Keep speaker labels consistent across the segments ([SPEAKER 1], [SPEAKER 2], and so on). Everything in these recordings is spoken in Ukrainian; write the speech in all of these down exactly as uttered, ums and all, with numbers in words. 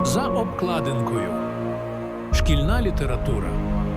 [SPEAKER 1] За обкладинкою. Шкільна література.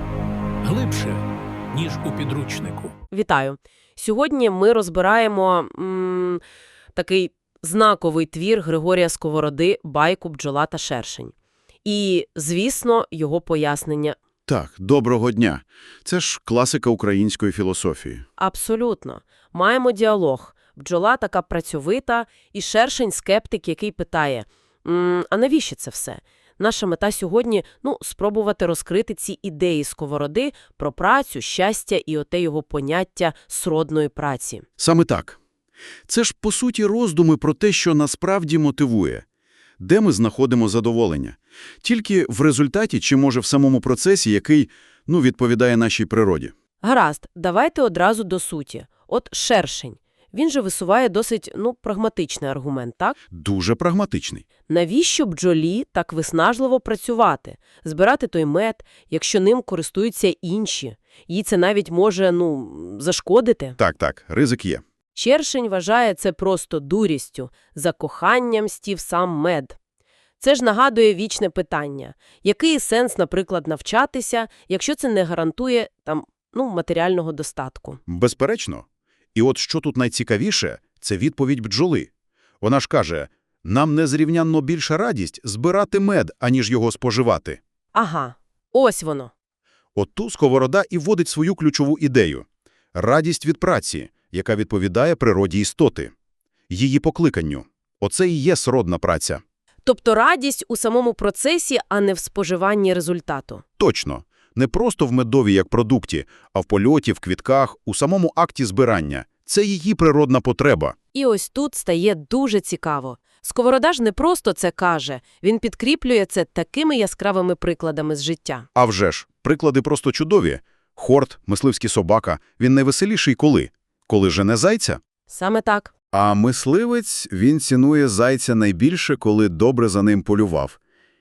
[SPEAKER 1] Глибше, ніж у підручнику.
[SPEAKER 2] Вітаю! Сьогодні ми розбираємо м, такий знаковий твір Григорія Сковороди «Байку бджола та шершень». І, звісно, його пояснення.
[SPEAKER 3] Так, доброго дня. Це ж класика української філософії.
[SPEAKER 2] Абсолютно. Маємо діалог. Бджола така працьовита, і шершень – скептик, який питає, м, а навіщо це все? Наша мета сьогодні – ну, спробувати розкрити ці ідеї Сковороди про працю, щастя і оте його поняття сродної праці.
[SPEAKER 3] Саме так. Це ж, по суті, роздуми про те, що насправді мотивує. Де ми знаходимо задоволення? Тільки в результаті чи, може, в самому процесі, який, ну, відповідає нашій природі?
[SPEAKER 2] Гаразд, давайте одразу до суті. От шершень. Він же висуває досить, ну, прагматичний аргумент, так?
[SPEAKER 3] Дуже прагматичний.
[SPEAKER 2] Навіщо бджолі так виснажливо працювати? Збирати той мед, якщо ним користуються інші? Їй це навіть може, ну, зашкодити?
[SPEAKER 3] Так, так, ризик є.
[SPEAKER 2] Шершень вважає це просто дурістю, за коханням стів сам мед. Це ж нагадує вічне питання. Який сенс, наприклад, навчатися, якщо це не гарантує, там, ну, матеріального достатку?
[SPEAKER 3] Безперечно. І от що тут найцікавіше – це відповідь бджоли. Вона ж каже, нам незрівнянно більша радість збирати мед, аніж його споживати.
[SPEAKER 2] Ага, ось воно.
[SPEAKER 3] От ту Сковорода і вводить свою ключову ідею – радість від праці, яка відповідає природі істоти, її покликанню. Оце і є сродна праця.
[SPEAKER 2] Тобто радість у самому процесі, а не в споживанні результату.
[SPEAKER 3] Точно. Не просто в медові як продукті, а в польоті, в квітках, у самому акті збирання. Це її природна потреба.
[SPEAKER 2] І ось тут стає дуже цікаво. Сковорода ж не просто це каже, він підкріплює це такими яскравими прикладами з життя.
[SPEAKER 3] А вже ж, приклади просто чудові. Хорт, мисливський собака, він найвеселіший коли? Коли жене зайця?
[SPEAKER 2] Саме так.
[SPEAKER 3] А мисливець, він цінує зайця найбільше, коли добре за ним полював.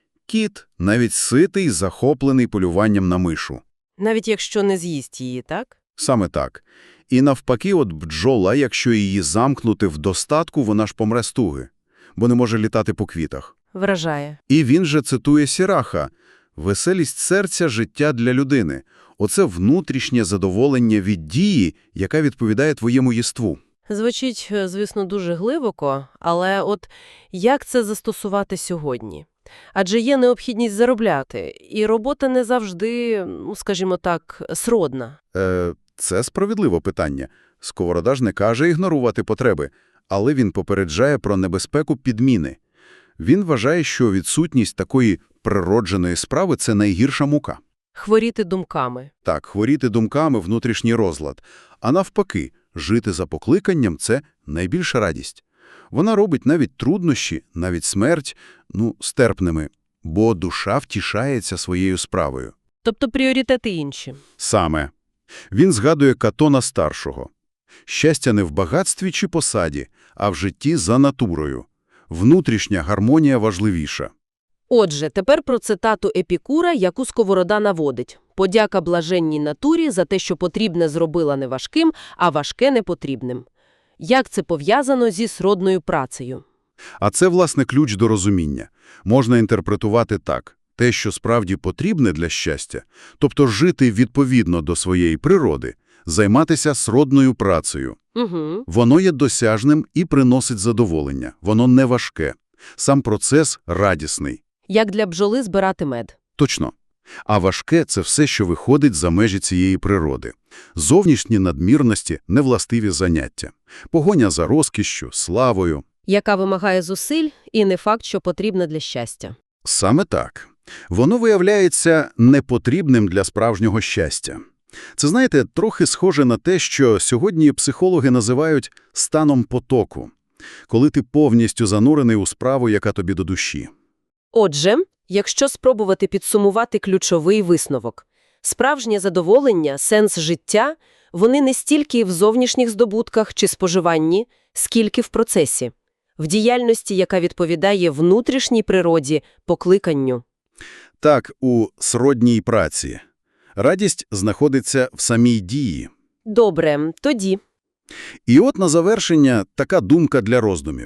[SPEAKER 3] Кіт навіть ситий, захоплений полюванням на мишу.
[SPEAKER 2] Навіть якщо не з'їсть її, так?
[SPEAKER 3] Саме так. І навпаки, от бджола, якщо її замкнути в достатку, вона ж помре з туги, бо не може літати по квітах.
[SPEAKER 2] Вражає.
[SPEAKER 3] І він же цитує Сіраха: «Веселість серця – життя для людини. Оце внутрішнє задоволення від дії, яка відповідає твоєму єству».
[SPEAKER 2] Звучить, звісно, дуже глибоко, але от як це застосувати сьогодні? Адже є необхідність заробляти, і робота не завжди, ну, скажімо так, сродна.
[SPEAKER 3] Е, це справедливе питання. Сковорода ж не каже ігнорувати потреби, але він попереджає про небезпеку підміни. Він вважає, що відсутність такої природженої справи – це найгірша мука.
[SPEAKER 2] Хворіти думками.
[SPEAKER 3] Так, хворіти думками – внутрішній розлад. А навпаки, жити за покликанням – це найбільша радість. Вона робить навіть труднощі, навіть смерть, ну, стерпними, бо душа втішається своєю справою.
[SPEAKER 2] Тобто пріоритети інші.
[SPEAKER 3] Саме. Він згадує Катона-старшого. Щастя не в багатстві чи посаді, а в житті за натурою. Внутрішня гармонія важливіша.
[SPEAKER 2] Отже, тепер про цитату Епікура, яку Сковорода наводить. «Подяка блаженній натурі за те, що потрібне зробила не важким, а важке непотрібним». Як це пов'язано зі сродною працею?
[SPEAKER 3] А це, власне, ключ до розуміння. Можна інтерпретувати так. Те, що справді потрібне для щастя, тобто жити відповідно до своєї природи, займатися сродною працею.
[SPEAKER 2] Угу.
[SPEAKER 3] Воно є досяжним і приносить задоволення. Воно не важке. Сам процес радісний.
[SPEAKER 2] Як для бджоли збирати мед.
[SPEAKER 3] Точно. А важке – це все, що виходить за межі цієї природи. Зовнішні надмірності – невластиві заняття. Погоня за розкішшю, славою.
[SPEAKER 2] Яка вимагає зусиль і не факт, що потрібна для щастя.
[SPEAKER 3] Саме так. Воно виявляється непотрібним для справжнього щастя. Це, знаєте, трохи схоже на те, що сьогодні психологи називають станом потоку, коли ти повністю занурений у справу, яка тобі до душі.
[SPEAKER 2] Отже, якщо спробувати підсумувати ключовий висновок, справжнє задоволення, сенс життя, вони не стільки в зовнішніх здобутках чи споживанні, скільки в процесі, в діяльності, яка відповідає внутрішній природі, покликанню.
[SPEAKER 3] Так, у сродній праці. Радість знаходиться в самій дії.
[SPEAKER 2] Добре, тоді.
[SPEAKER 3] І от на завершення така думка для роздумів.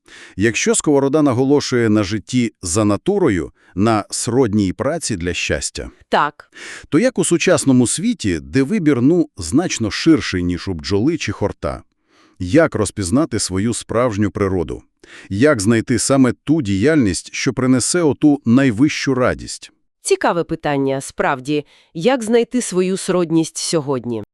[SPEAKER 3] Якщо Сковорода наголошує на житті за натурою, на сродній праці для щастя,
[SPEAKER 2] Так.
[SPEAKER 3] то як у сучасному світі, де вибір, ну, значно ширший, ніж у бджоли чи хорта? Як розпізнати свою справжню природу? Як знайти саме ту діяльність, що принесе оту найвищу радість?
[SPEAKER 2] Цікаве питання, справді. Як знайти свою сродність сьогодні?